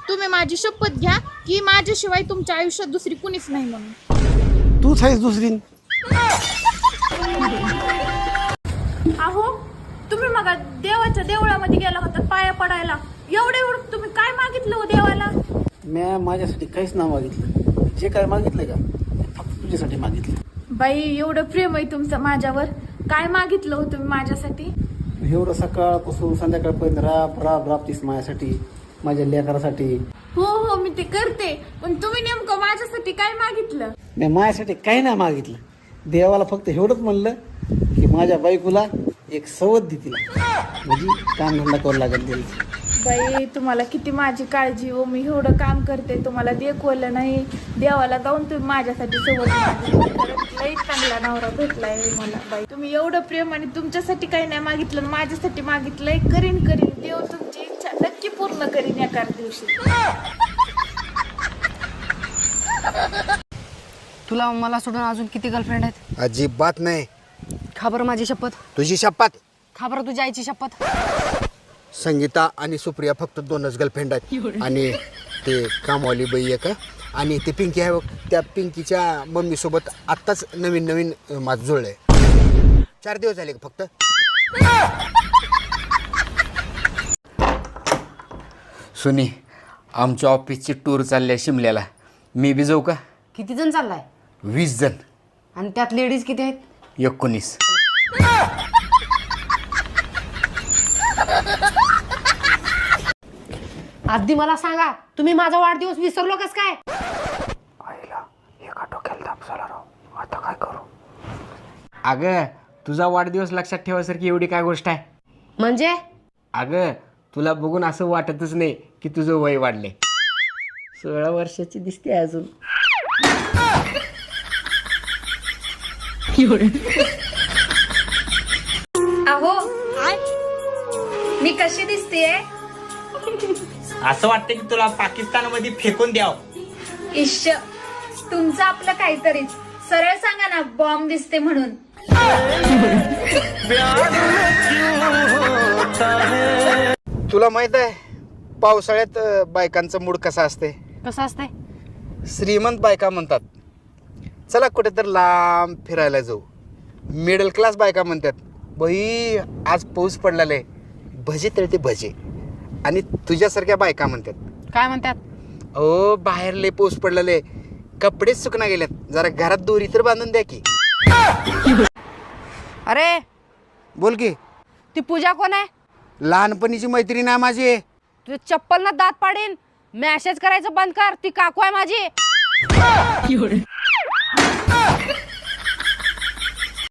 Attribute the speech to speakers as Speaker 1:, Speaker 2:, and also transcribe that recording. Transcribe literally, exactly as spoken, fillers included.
Speaker 1: तुम्ही माझी शपथ घ्या की माझ्याशिवाय तुमच्या आयुष्यात दुसरी कुणीच नाही म्हणून.
Speaker 2: तूच आहेस दुसरी.
Speaker 1: अहो तुम्ही मग देवाच्या देवळामध्ये गेला होता पाया पडायला, एवढे एवढं तुम्ही काय मागितलं हो देवाला?
Speaker 2: मी माझ्यासाठी काहीच ना मागितलं. जे काय मागितलं का ते फक्त तुझ्यासाठी मागितलं.
Speaker 1: बाई एवढं प्रेम आहे तुमचं माझ्यावर, काय मागितलं हो तुम्ही माझ्यासाठी?
Speaker 2: एवढं सकाळपासून संध्याकाळपर्यंत राब राब राबतीस माझ्यासाठी, माझ्या लेकरासाठी.
Speaker 1: हो हो मी ते करते, पण तुम्ही नेमकं माझ्यासाठी काय मागितलं?
Speaker 2: मी माझ्यासाठी काही नाही मागितलं. देवाला फक्त एवढंच म्हणलं की माझ्या बायकोला एक सवत दे तिला, म्हणजे काम धंदा करू लागेल तिला.
Speaker 1: बाई तुम्हाला किती माझी काळजी हो, मी एवढं काम करते तुम्हाला देखवलं नाही, देवाला जाऊन तुम्ही माझ्यासाठी सोबत लई चांगला नवरा भेटलाय मला. बाई तुम्ही एवढं प्रेम आणि तुमच्यासाठी काही नाही मागितलं, माझ्यासाठी मागितलंय. करीन करीन देव तुमची इच्छा नक्की पूर्ण करीन एका दिवशी.
Speaker 3: तुला मला सोडून अजून किती गर्लफ्रेंड आहेत?
Speaker 4: अजिबात नाही.
Speaker 3: खा बरं माझी शपथ.
Speaker 4: तुझी शपथ.
Speaker 3: खा बरं तुझ्या आईची शपथ.
Speaker 4: संगीता आणि सुप्रिया फक्त दोनच गर्लफ्रेंड आहेत, आणि ते कामवाली बाई आहे का, आणि ते पिंकी आहे बघ, त्या पिंकीच्या मम्मी सोबत आत्ताच नवीन नवीन माझं जुळलंय. चार दिवस झाले का फक्त.
Speaker 5: सुनी, आमच्या ऑफिसची टूर चालली आहे शिमल्याला, मी बी जाऊ का?
Speaker 3: किती जण चाललाय?
Speaker 5: वीस जण.
Speaker 3: आणि त्यात लेडीज किती आहेत?
Speaker 5: एकोणीस.
Speaker 3: आधी मला सांगा, तुम्ही माझा वाढदिवस विसरलो कस काय?
Speaker 5: आईला एका डोक्याला ताप झाला राव, आता काय करू? अगं तुझा वाढदिवस लक्षात ठेवासारखी एवढी काय गोष्ट आहे?
Speaker 3: म्हणजे
Speaker 5: अगं तुला बघून असं वाटतच नाही की तुझं वय वाढलंय. सोळा वर्षाची दिसते अजून.
Speaker 6: अहो मी कशी दिसतेय?
Speaker 7: असं वाटतं की तुला पाकिस्तानमध्ये फेकून द्याव.
Speaker 6: इश्श तुमचं आपलं काहीतरीच. सरळ सांगा ना बॉम्ब दिसते म्हणून.
Speaker 4: तुला माहित आहे पावसाळ्यात अ, बायकांचं मूड कसा असते?
Speaker 3: कसं असतंय?
Speaker 4: श्रीमंत बायका म्हणतात चला कुठे तर लांब फिरायला जाऊ. मिडल क्लास बायका म्हणतात बाई आज पाऊस पडलेला आहे, भजे तळते भजे. आणि तुझ्यासारख्या बायका म्हणतात
Speaker 3: काय म्हणतात?
Speaker 4: अहो बाहेर लय पाऊस पडलेला आहे, कपडेच सुकना गेल्यात, जरा घरात दोरी तर बांधून द्या की.
Speaker 3: अरे
Speaker 4: बोल की.
Speaker 3: ती पूजा कोण आहे?
Speaker 4: लहानपणीची मैत्रीण आहे माझी.
Speaker 3: तुझ्या चप्पल ना दात पाडीन. मॅसेज करायचं बंद कर, ती काकू आहे माझी.